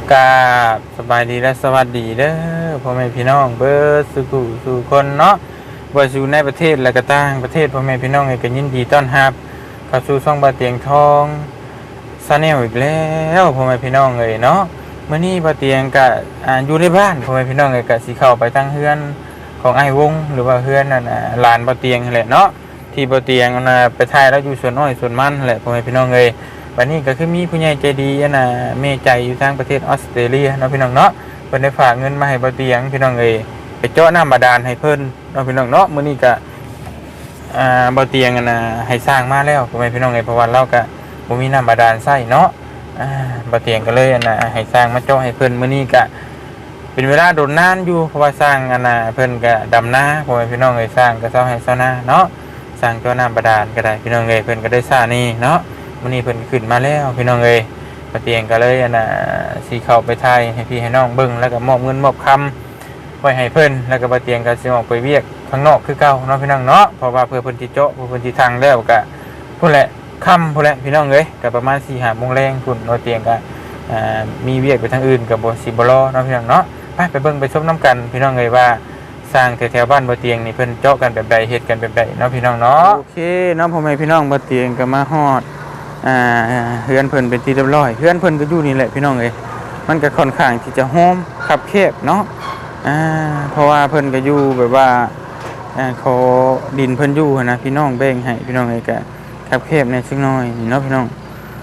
กราบสบายดีและสวัสดีเด้อพ่อแม่พี่น้องเบิร์ดสู่คนเนาะว่าอยู่ในประเทศและก็ต่างประเทศพ่อแม่พี่น้องก็ยินดีต้อนรับเข้าสู่ช่องบาเตียงทองซาแนลอีกแล้วพ่อแม่พี่น้องเลยเนาะมื้อนี้บาเตียงก็อยู่ในบ้านพ่อแม่พี่น้องก็สิเข้าไปตั้งเฮือนของไอ้วงหรือว่าเฮือนนั่นลานบาเตียงแหละเนาะที่บาเตียงไปถ่ายแล้วอยู่สวนอ้อยสวนมันแหละพ่อแม่พี่น้องเลยวันนี้ก็คือมีผู้ใหญ่ใจดีเมใจอยู่ทางประเทศออสเตรเลียเนาะพี่น้องเนาะเพิ่นได้ฝากเงินมาให้บ่เตียงพี่น้องเอ้ยไปเจาะน้ำบาดาลให้เพิ่นเนาะพี่น้องเนาะมื้อนี้ก็บ่เตียงให้สร้างมาแล้วพ่อแม่พี่น้องเอ้ยเพราะว่าเราก็บ่มีน้ำบาดาลใช้เนาะบ่เตียงก็เลยให้สร้างมาเจาะให้เพิ่นมื้อนี้ก็เป็นเวลาโดนนานอยู่เพราะว่าสร้างเพิ่นก็ดำนาพ่อแม่พี่น้องเอ้ยสร้างก็เซาให้เซานาเนาะสร้างเจาะน้ำบาดาลก็ได้พี่น้องเอ้ยเพิ่นก็ได้สร้างนี่เนาะมื้อนี้เพิ่นขึ้นมาแล้วพี่น้องเอ้ยบ่เตียงก็เลยสิเข้าไปถ่ายให้พี่ให้น้องเบิ่งแล้วก็มอบเงินมอบคำไว้ให้เพิ่นแล้วก็บ่เตียงก็สิออกไปเวียกข้างนอกคือเก่าเนาะพี่น้องเนาะเพราะว่าเพื่อเพิ่นสิเจาะเพื่อเพิ่นสิทางแล้วก็พุ่นแหละค่ำพุ่นแหละพี่น้องเอ้ยก็ประมาณ 4-5 โมงแลงพุ่นบ่เตียงก็มีเวียกไปทางอื่นก็บ่สิบ่รอเนาะพี่น้องเนาะไปเบิ่งไปชมนํกันพี่น้องเอ้ยว่าสร้างแถวๆบ้านบ่เตียงนี่เพิ่นเจาะกันแบบใดเฮ็ดกันแบบใดเนาะพี่น้องเนาะโอเคเนาะพ่อแม่พี่น้องบ่เตียงก็มาฮอดเฮือนเพิ่นเป็นที่เรียบร้อยเฮือนเพิ่นก็อยู่นี่แหละพี่น้องเอ้ยมันก็ค่อนข้างที่จะโฮมคับแคบเนาะเพราะว่าเพิ่นก็อยู่แบบว่าขอดินเพิ่นอยู่นะพี่น้องแบ่งให้พี่น้องเอ้ยก็คับแคบในสักหน่อยนี่เนาะพี่น้อง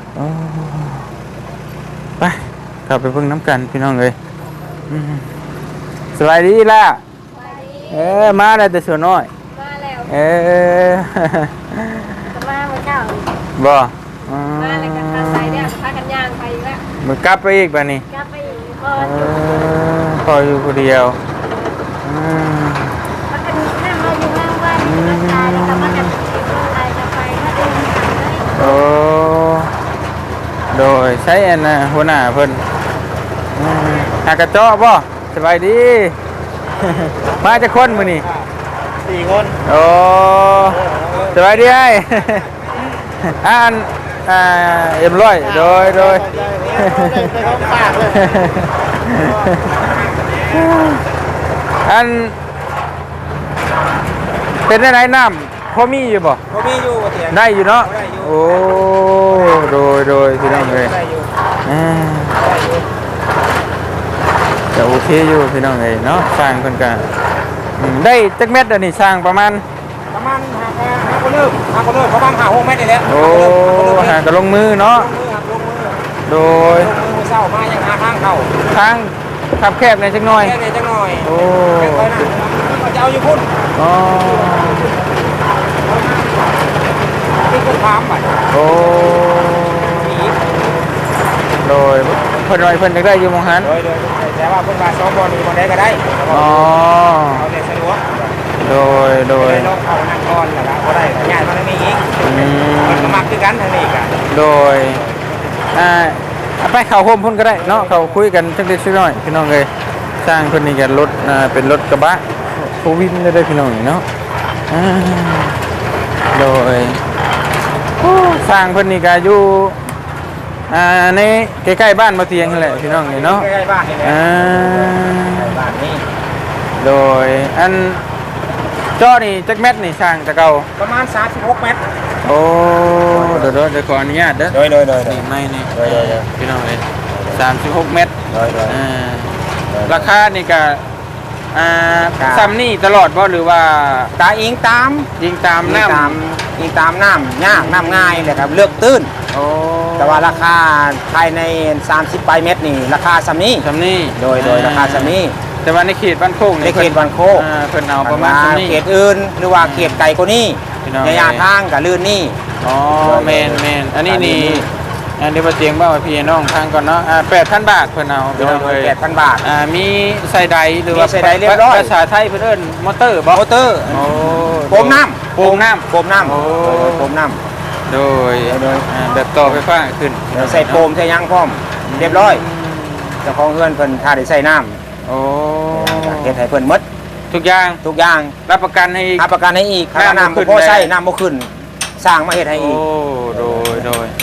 ไปเข้าไปเบิ่งน้ำกันพี่น้องเอ้ยสบายดีล่ะมาแล้วแต่ส่วนน้อยมาแล้วมาเจ้าบ่มาแล้วกันใส่เนี่ยพากันย่างไปแล้วมันกลับไปอีกป่ะนี่กลับไปอีกพออยู่คนเดียวมากันนั่งเราอยู่ข้างบ้านมาตายแล้วก็มากันอะไรจะไปมาดูโอ้โดยใช้หัวหน้าเพิ่นหากระเจาะบ่สบายดีมาจะคนมื้อนี่ 4 คนโอ้สบายดีไอ้เอ็มร้อยโดยเป็นได้ไหนน้ำพอมีอยู่บ่พอมีอยู่เตียงได้อยู่เนาะโอ้โดยพี่น้องเลยจะโอเคอยู่พี่น้องเลยเนาะสร้างคนกันได้จักเม็ดอันนี้สร้างประมาณ 5 คนเริ่มประมาณ5-6 เมตรนี่แหละโอ้หากระลงมือเนาะโดยเศร้ามาอย่างทางเข้าทางขับแคบในจักหน่อยโอ้จะเอาอยู่พุ่นอ๋อนี่คือถามไปโอ้โดยเพิ่นจะได้อยู่มองหันโดยแต่ว่าเพิ่นว่า2 บอลอยู่บอลใดก็ได้อ๋อเอาได้สะดวกโดยลองเข้านั่งก่อนแล้วก็ได้ง่ายมันไม่มีอีกมันก็มักคือกันทางนี้กันโดยไปเข้าโฮมพุ่นก็ได้เนาะเขาคุยกันสักเล็กน้อยพี่น้องเลยสร้างเพิ่นนี่กันรถเป็นรถกระบะโควิดได้พี่น้องเนาะโดยสร้างเพิ่นนี่ก็อยู่ในใกล้ๆบ้านมาเตียงนั่นแหละพี่น้องเนาะใกล้ๆบ้านนี่แหละบ้านนี้โดยจ้อนี่จักเม็ดนี่ช่างตะเก่าประมาณ36 เมตรโอ้เดี๋ยวขออนุญาตเด้อโดยนี่ไม่นี่พี่น้องเลย36 เมตรราคานี่ก็ซ้ำนี่ตลอดบ่หรือว่าตาอิงตามน้ำยากน้ำง่ายเลยครับเลือกตื้นแต่ว่าราคาภายใน30 เมตรนี่ราคาซ้ำนี่โดยราคาซ้ำนี่แต่ว่าในเขตบ้านโคกในเขตบ้านโคกเพิ่นเอาประมาณนี้เขตอื่นหรือว่าเขตไกลกว่านี้ระยะทางกับลื่นนี่อ๋อแมนอันนี้นี่เดี๋ยวมาเตียงบ้าพี่น้องทางก่อนเนาะ8,000 บาทเพิ่นเอาโดย8,000 บาทมีใส่ใดหรือว่าใส่ใดเรียบร้อยภาษาไทยเพิ่นเอิ้นมอเตอร์บ่มอเตอร์โอ้โฟมน้ำโฟมน้ำโดยแบบต่อไฟฟ้าขึ้นใส่โฟมใส่ยางพร้อมเรียบร้อยเจ้าของเฮือนเพิ่นถ้าได้ใส่น้ำโอ้เฮ็ดให้เพิ่นหมดทุกอย่างรับประกันให้อีกค่าน้ำบ่พอใช้น้ำบ่ขึ้นสร้างมาเฮ็ดให้อีกโอ้โดย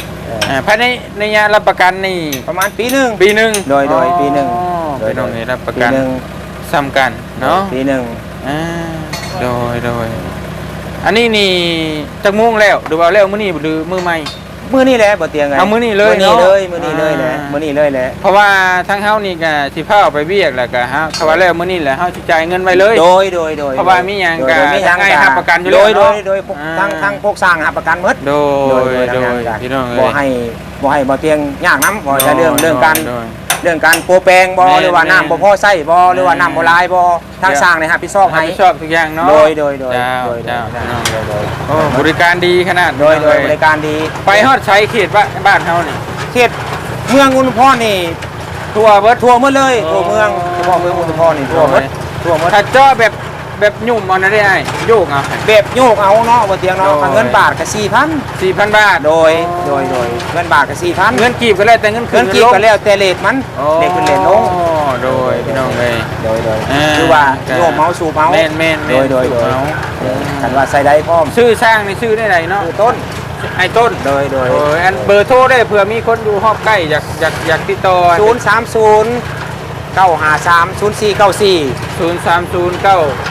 ภายในระยะรับประกันนี่ประมาณปีหนึงปีหนึงโดยปีหนึ่งพี่น้องนี่รับประปีกันหนึงซ้ำกันเนาะปีหนึงโดยอันนี้นี่จักมุ่งแล้วหรือว่าแล้วมื้อนี้หรือมื้อใหม่มื้อนี้แหละบ่เตียงไงเอามื้อนี้เลยมื้อนี้เนาะเลยมื้อนี้เลยแหละมื้อนี้เลยแหละเพราะว่าทั้งเฮานี่ก็สิพาเอาไปเวียกแล้วก็ฮะเขาว่าแล้วมื้อนี้แหละเฮาสิจ่ายเงินไว้เลยโดยเพราะว่ามีหยังก็โดมีหยังให้รับประกันอยู่แล้วโดเนาะยพวกทั้งพวกสร้างรับประกันหมดโดยทางงานกันพี่น้องเอ้ยบ่ให้บ่เตียงยากนำบ่จะเรื่องการโดยเรื่องการโปรแปลงบ่แม่นหรือว่าน้ำบ่พอใช้บ่หรือว่าน้ำบ่หลายบ่ทางสร้างนี่รับผิดชอบรับให้ผิดชอบทุกอย่างเนาะโดยเจ้าพี่น้องโอ้บริการดีขนาดโดยบริการดีไปฮอดใช้เขตบ้านเฮานี่เขตเมืองอุทุมพรนี่ทั่วเบิดทั่วหมดเลยโอ้ทั่วเมืองเฉพาะเมืองอุทุมพรนี่ทั่วหมดทั่วหมดถ้าจ่อแบบยุ่มเอานะได้ไอ้โยกเอาแบบโยกเอาเนาะบ่เตียงเนาะโดยเงินบาทก็ 4,000 บาท 4,000โดยเงินบาทก็ 4,000 เงินกีบก็แล้วแต่เงินคืเงินนกีบก็แล้วแต่เลทมันโอ้เลทขึ้นเลทลงโดยพี่น้องเอ้ยโดยอ่าคือว่าโยกเมาสูบเมาแม่นโดยสูบเอากันว่าใส่ได้พร้อมชื่อสร้างนี่ชื่อได้ไหนเนาะคือต้นไอ้ต้นโดยโอ้ยอันเบอร์โทรได้เผื่อมีคนอยู่ฮอบใกล้อยากติดต่อ 030 953 0494 030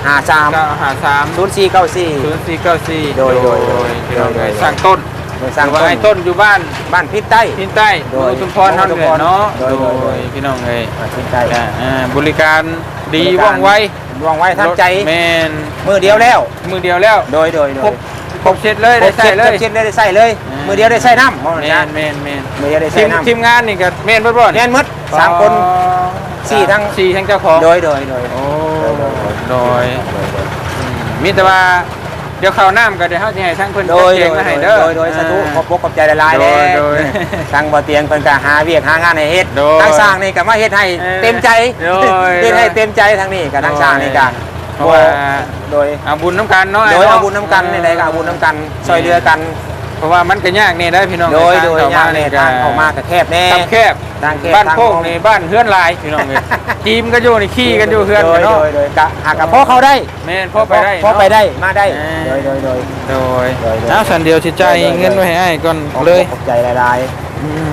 53 953 0494 โดยพี่น้องเอ้ยสร้างต้นโดยสร้างว่าไอ้ต้นอยู่บ้านบ้านพิษใต้ทินใต้โดยอุทุมพรเฮาเนี่ยเนาะโดยโดยพี่น้องเอ้ยบ้านพิษใต้บริการดีว่องไววางไว้ทันใจแม่นมือเดียวแล้วมือเดียวแล้วโดยครบเสร็จเลยได้ใช้เลยเช็ดได้ใส่เลย มือเดียวได้ใส่น้ำแม่นมือเดียวได้ใส่น้ำทีมงานนี่ก็แม่นเบิดบ่แน่นหมด3 คนสี่ทั้ง 4ทั้งเจ้าของโดยโอ้โดยมีแต่ว่าเดี๋ยวข้าวน้ำก็เดี๋ยวเฮาสิให้ทั้งเพิ่นโดยจัดแจงมาให้เด้อโดยสาธุขอบใจหลายๆโดเลยโดยทางบ่เตียงเพิ่นก็หาเวียกหางานให้เฮ็ดโดยทางสร้างนี่ก็มาเฮ็ดให้เต็มใจโดยเฮ็ดให้เต็มใจทางนี้กับทางสร้างนี่ก็เพราะว่าโดยเอาบุญน้ำกันเนาะโดยเอาบุญน้ำกันนี่ใดก็เอาบุญน้ำกันช่วยเหลือกันเพราะว่ามันก็ยากนี่ได้พี่น้องโดยทางยากเนี่ยทางเข้ามาก็แคบแน่ทางแคบทางแคบบ้านโคกทางนี่บ้านเฮือนหลายพี่น้องเอ้ยจีมก็อยู่นี่ขี้กันอยู่เฮือนกันเนาะโดยกะหากกับพ่อเขาได้แม่นพ่อไปได้พ่อไปเนาะได้มาได้อ่าโดยโดยโดยเอาสันเดียวสิใจายเงินไว้ให้อ้ายก่อนเลยขอบใจหลายอืม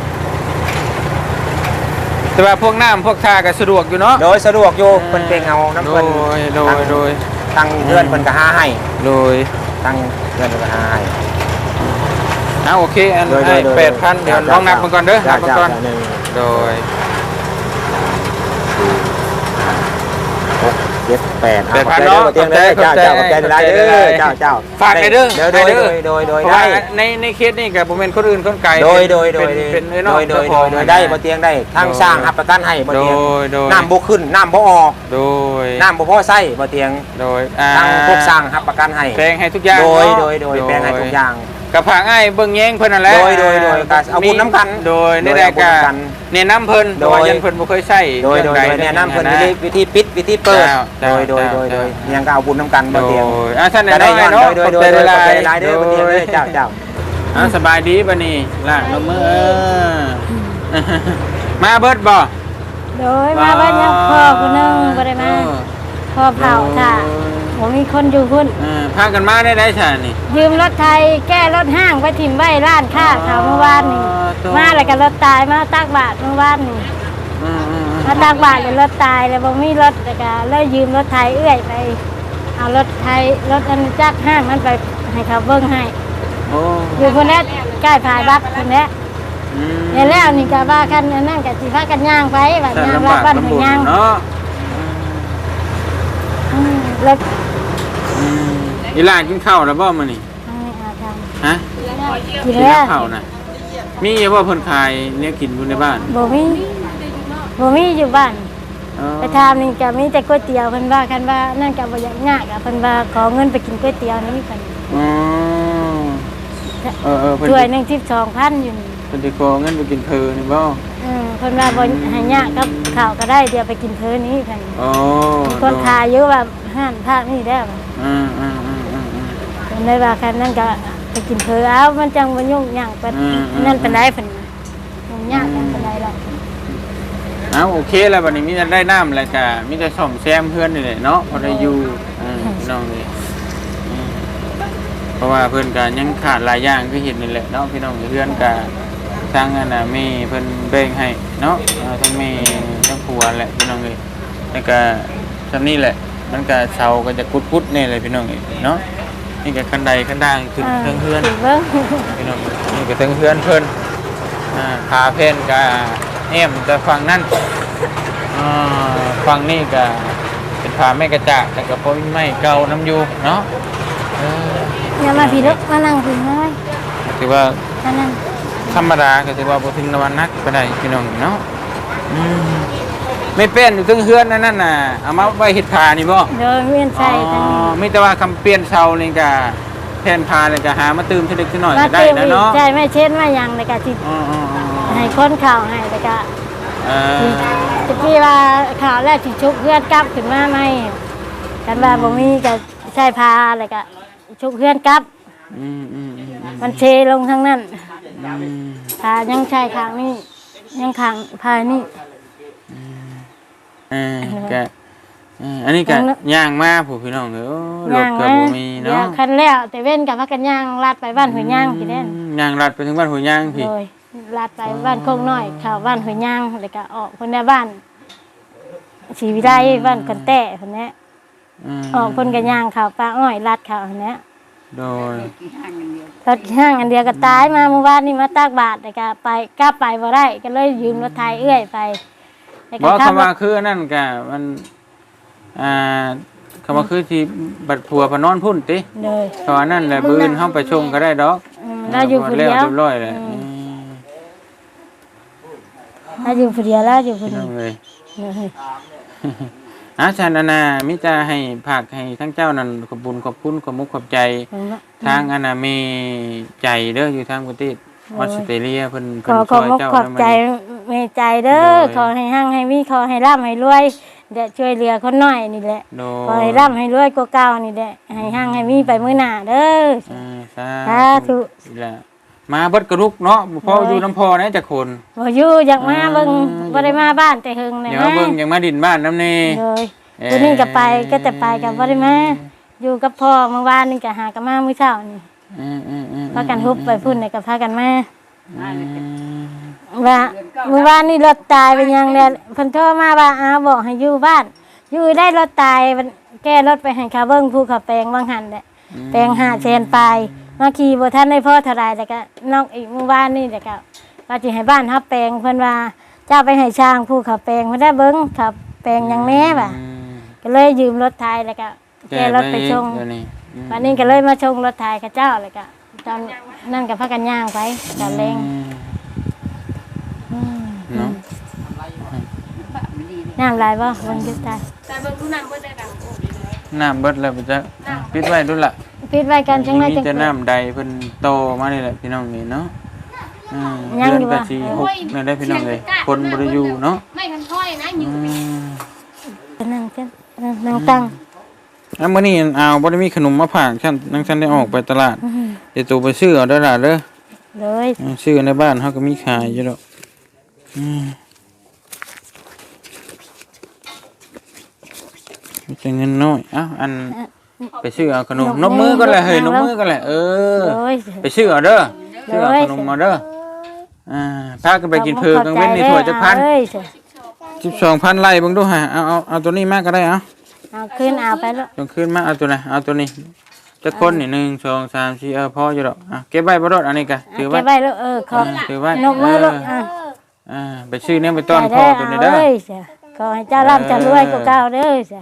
แต่ว่าพวกน้ำพวกทาก็สะดวกอยู่เนาะๆโดยสะดวกอยู่เพิ่นเก่งเอาน้ำโดเพิ่นยโดยทางเพื่อนเพิ่นก็หาให้โดยทางเพื่อนเพิ่นก็หาให้เอาโอเคอันโดยให้โดย 8,000เดี๋ยวลองนับมันก่อนเด้อนับมันก่อนโดย 7 8 8,000เนาะเตียงเลยเจ้าขอบใจหลายๆเด้อเจ้าฝากในเด้อโดยเพราะได้ว่าในเคสนี่กับผมเป็นคนอื่นคนไกลโดยเป็นเนาะโดยได้บ่เตียงได้ทางสร้างรับประกันให้บ่โดเตียงยน้ำบ่ขึ้นน้ำบ่ออกโดยน้ำบ่พอใช้บ่เตียงโดยทางพวกสร้างรับประกันให้แปลงให้ทุกอย่างโดยเนาะแปลงให้ทุกอย่างกับผางอ้ายเบิ่งแย้งเพิ่นนั่นแหละโดยก็เอาบุญน้ำกันโดยในรายการโดยเอาบุญน้ำกันเนี่ยน้ำเพิ่นโดโดยยยันเพิ่นบ่เคยใช้โดยแนะนำเพิ่นวิธีปิดวิธีเปิดเจ้าโดยยังก็เอาบุญน้ำกันโดบ่เตียงยท่านก็ได้ย้อนเนาะโดยขอบใจหลายหลายเด้อบ่เตียงเด้อเจ้าสบายดีบัดนี้ล่ะลงมือมาเบิดบ่โดยมาบ้านยังพ่อคนนึงบ่ได้มาพ่อเผาค่ะผมมีคนอยู่พุ่นพากันมาได้ใช่นี่ยืมรถไทยแก้รถห้างไปถิ่มไว้ร้านค้าเขาเมื่อวานนี่มาแล้วก็รถตายมาตักบาทเมื่อวานนี่มาตักบาทเลยรถตายแล้วบ่มีรถแล้วก็เลยยืมรถไทยเอื้อยไปเอารถไทยรถอันจักห้างนั้นไปให้เขาเบิ่งให้อยู่คนนี้ใกล้ผายบักคนนี้เนี่ยแล้วนี่ก็ว่ากันอันนั่นก็สิพากันย่างไปว่าย่างรับบ้านให้ย่างเนาะรถอีหลานกินข้าวแล้วบ่มื้อนี้อาทำฮะกินกินแล้วข้าวน่ะมีว่าเพิ่นขายเนี่ยกินอยู่ในบ้านบ่มีอยู่บ้านไปทำนี่ก็มีแต่ก๋วยเตี๋ยวเพิ่นว่ากันว่านั่นก็บ่อยากยากอ่ะเพิ่นว่าขอเงินไปกินก๋วยเตี๋ยวนี่เพิ่นเพิ่นถ้วยนึง12,000อยู่นี่เพิ่นสิขอเงินไปกินเพอนี่บ่เพิ่นว่าบ่ให้ยากกับข้าวก็ได้เดี๋ยวไปกินเพลินนี่เพิ่นอ๋อมีคนขายเยอะแบบห้านภาคนี่ได้บ่เพิ่นเลยว่าคันนั้นก็ไปกินเพลินเอามันจังบ่ยุ่งยากปานนั่นปานใดเพิ่นยุ่งยากปานใดหรอกเอาโอเคแล้วบัดนี้มีแต่ได้น้ำแล้วก็มีแต่ซ่อมแซมเพื่อนนี่แหละเนาะพอได้อยู่พี่น้องนี่เพราะว่าเพิ่นก็ยังขาดหลายอย่างคือเห็นนี่แหละเนาะพี่น้องเพื่อนก็ทางอันน่ะมีเพิ่นแบ่งให้เนาะทั้งแม่ทั้งผัวแหละพี่น้องเอ้ยแล้วก็ซำนี้แหละมันก็เสาก็จะกุดๆแน่เลยพี่น้องเอ้ยเนาะนี่ก็คันใดคันด่างขึ้นเทิงเฮือนถึงเบิ่งพี่น้องนี่ก็เทิงเฮือนเพิ่นขาเพิ่นก็แอมแต่ฝั่งนั้นฝั่งนี้ก็เป็นผาแม่กระจากแต่ก็บ่มีไม้เก่านํอยู่เนาะอย่ามาพี่ลูกมานั่งพี่น้อยถือว่ามานั่งธรรมดาก็ถือว่าบ่ถึงนวันนักก็ได้พี่น้องเนาะไม่เป็นอยู่ถึงเฮือนนั่นน่ะเอามาไว้เฮ็ดผ้านี่บ่เดินเวียนใส่ทางนี้มีแต่ว่าคำเปลี่ยนเสานี่ก็แผ่นผ้านี่ก็หามาตื่มทีเล็กทีน้อยมาก็ได้เติมนะอีกเนาะใช่ไม่เช่นไม่ยังเลยก็สิอ๋อให้คนข่าวให้แล้วก็ ตะกี้ว่าข่าวแรกที่ชุบเพื่อนกลับขึ้นมาไหมกันว่าบ่มีก็ใช้พาแล้วก็ชุบเพื่อนกลับมันเชลงทั้งนั้นพายังใช้ข้างนี้ยังข้างพานี่ก็อันนี้ก็ย่างมาผู้พี่น้องเด้อรถก็บ่มีเนาะคันแล้วแต่เว้นกับพักกันย่างลาดไปบ้านหัวยย่างพี่แน่นย่างลัดไปถึงบ้านหัวย่างพี่โดยลาดไปบ้านโคงน้อยเข้าบ้านหัวยย่างแล้วก็ออกคนในบ้านศรีวิไลบ้านคนแต้คนนี้ออกคนกันย่างเข้าป้าอ้อยลาดเข้าคนนี้โดยรถห้างอันเดียวก็ตายมาเมื่อวานนี่มาตากบาตรแต่ก็ไปกล้าไปบ่ได้ก็เลยยืมรถไทยเอื้อยไปบ่คำว่าคือนั่นก็มันคำว่าคือที่บัดผัวพนอนพุ่นติเลยตอนนั้นแหละบืนเฮาไปชงก็ได้ดอกเราอยู่คนเดียวเรียบร้อยเลยเราอยู่คนเดียวแล้วอยู่คนเดียวเลยเลยฉันน่ะมิจะให้ภาคให้ทั้งเจ้านั่นขอบคุญขอบคุณขอบมุกขอบใจทางอันน่ะมีใจเด้ออยู่ทางประเทศออสเตรเลียเพิ่นขอขอบมุกขอบใจเมตใจเด้อขอให้หั่งให้มีขอให้ร่ำให้รวยเดี๋ยวช่วยเหลือคนน้อยนี่แหละขอให้ร่ำให้รวยกว่าเก่านี่แหละให้หั่งให้มีไปมื้อหน้าเด้อสาธุมาเบิดกระลุกเนาะพออยู่น้ำพอนะจักคนบ่อยู่อยากมาเบิ่งบ่ได้มาบ้านแต่เฮิงแน่เดี๋ยวเบิ่งยังมาดินบ้านน้ำนี่เลยตัวนี้ก็ไปก็แต่ไปกับบ่ได้มาอยู่กับพ่อเมื่อวานนี่ก็หากันมามื้อเช้านี่พากันฮุบไปพุ่นนี่ก็พากันมาว่าเมื่อวานนี่รถตายไปยังเนี่ยเพิ่นโทรมาว่าบอกให้อยู่บ้านอยู่ได้รถตายแก้รถไปให้เขาเบิ่งภูเขาแปลงบางหันแหละแปลง500,000ปลายมาขี่บ่ทันได้พอเท่าไรแต่ก็นอกอีกเมื่อวานนี่แต่ก็ว่าสิให้บ้านฮับแปลงเพิ่นว่าเจ้าไปให้ช่างภูเขาแปลงเพิ่นได้เบิ่งขับแปลงยังแน่บ่ะก็เลยยืมรถไทยแล้วก็แก้รถไปชงวันนี้ก็เลยมาชงรถไทยกับเจ้าแล้วก็ตอนนั่นก็พากันย่างไปตอนแรงน้ำลายบ่เบิ่งอยู่ตายแต่เบิ่งดูน้ำเบิดได้ดังน้ำเบิดแล้วจะปิดไว้ดูล่ะปิดไว้กันจังได๋จังจะน้ำใดเพิ่นโตมานี่แหละพี่น้องนี่เนาะเดือนกะสิ6นั่นได้พี่น้องเลยคนบ่ได้อยู่เนาะไม่คันค่อยนะอยู่นั่งกันนั่งตั้งมื้อนี้เอาบ่ได้มีขนมมาฝากฉันนังฉันได้ออกไปตลาดเดี๋ยวตัวไปซื้อเอาเด้อล่ะเด้อเลยซื้อในบ้านเฮาก็มีขายอยู่ดอกมีแต่เงินน้อยอันไปซื้อเอาขนมนบมือก็แหละเฮ้ยนบมือก็แหละไปซื้อเอาเด้อซื้อเอาขนมมาเด้อพากันไปกินเพลิงกลางเว้นในถ้วยจักพัน12,000ไร่เบิ่งดูฮะเอาตัวนี้มาก็ได้เอาขึ้นเอาไปแล้วต้องขึ้นมาเอาตัวไหนเอาตัวนี้จักคนนี่1 2 3 4พออยู่ดอกเก็บไว้บ่รอดอันนี้ก็ถือไว้เก็บไว้แล้วขอถือไว้นบมือแล้วไปซื้อเนี่ยไปต้อนพ่อตัวนี้เด้อขอให้เจ้าร่ำจะรวยกว่าเก่าเด้อจ้ะ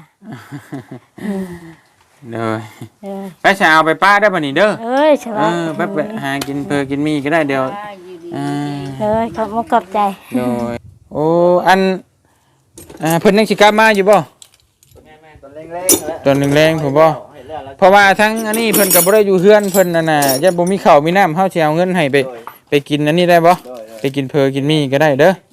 เด้อไปสิเอาไปป้าได้ป่ะนี่เด้อใช่ป่ะไปหากินเพอกินมีก็ได้เดี๋ยวขอบคุณขอบใจโดยโอ้อันเพิ่นยังสิกลับมาอยู่บ่ตอนแรงๆผมบ่เพราะว่าทั้งอันนี้เพิ่นก็บ่ได้อยู่เฮือนเพิ่นนั่นน่ะอย่าบ่มีข้าวมีน้ำเฮาสิเอาเงินให้ไปกินอันนี้ได้บ่ไปกินเพอกินมีก็ได้เด้อ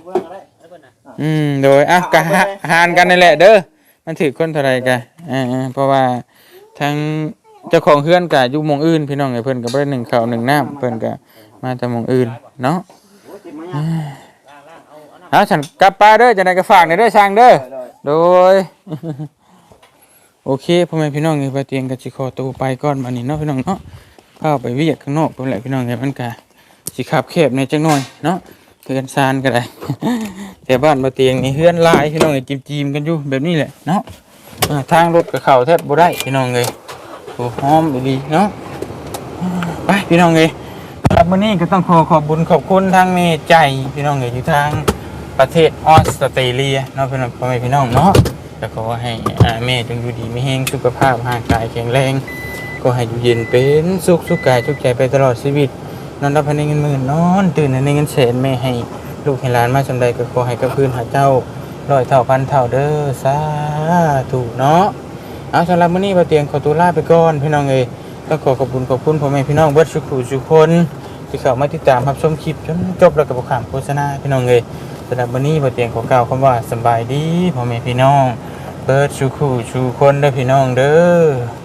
โดยก็หารกันนั่นแหละเด้อมันถือคนเท่าไรกันเพราะว่าทั้งเจ้าของเฮือนก็อยู่หม่องอื่นพี่น้องไอ้เพิ่นก็บ่ได้นึ่งข้าวนึ่งน้ำเพิ่นก็มาจากหม่องอื่นเนาะฉันกลับป้าเด้อจะได้ก็ฝากเด้อช่างเด้อโดยโอเคพ่อแม่พี่น้องไปเตียงก็สิขอตัวไปก่อนบัดนี้เนาะพี่น้องเนาะเข้าไปเวียกข้างนอกเพิ่นแหละพี่น้องไงมันก็สิขับแคบในจังหน่อยเนาะเฮือนซานก็ได้ แต่บ้านบ่เตียงนี่เฮือนหลายพี่น้องเอ้ยจิ้มๆกันอยู่แบบนี้แหละเนาะทางรถก็เข้าแทบบ่ได้พี่น้องเอ้ยโอ้หอมดีเนาะไปพี่น้องเอ้ยสำหรับมื้อนี้ก็ต้องขอบคุญขอบคุณทางแม่ใจพี่น้องเอ้ยอยู่ทางประเทศออสเตรเลียเนาะพี่น้องพ่อแม่พี่น้องเนาะก็ขอให้แม่จงอยู่ดีมีแรงสุขภาพร่างกายแข็งแรงก็ให้อยู่เย็นเป็นสุขกายสุขใจไปตลอดชีวิตนอนรับในเงินหมื่นนอนตื่นในเงินแสนแม่ให้ลูกให้หลานมาจำใดก็ขอให้กับพื้นหาเจ้าร้อยเท่าพันเท่าเด้อสาธุเนาะเอาสำหรับมื้อนี้บ่เตียงขอตัวลาไปก่อนพี่น้องเอ้ยก็ขอบคุณพ่อแม่พี่น้องเบิดทุกคนที่เข้ามาติดตามรับชมคลิปจนจบแล้วก็บ่ข้ามโฆษณาพี่น้องเอ้ยสำหรับมื้อนี้บ่เตียงขอกล่าวคำว่าสบายดีพ่อแม่พี่น้องเบิดทุกคนเด้อพี่น้องเด้อ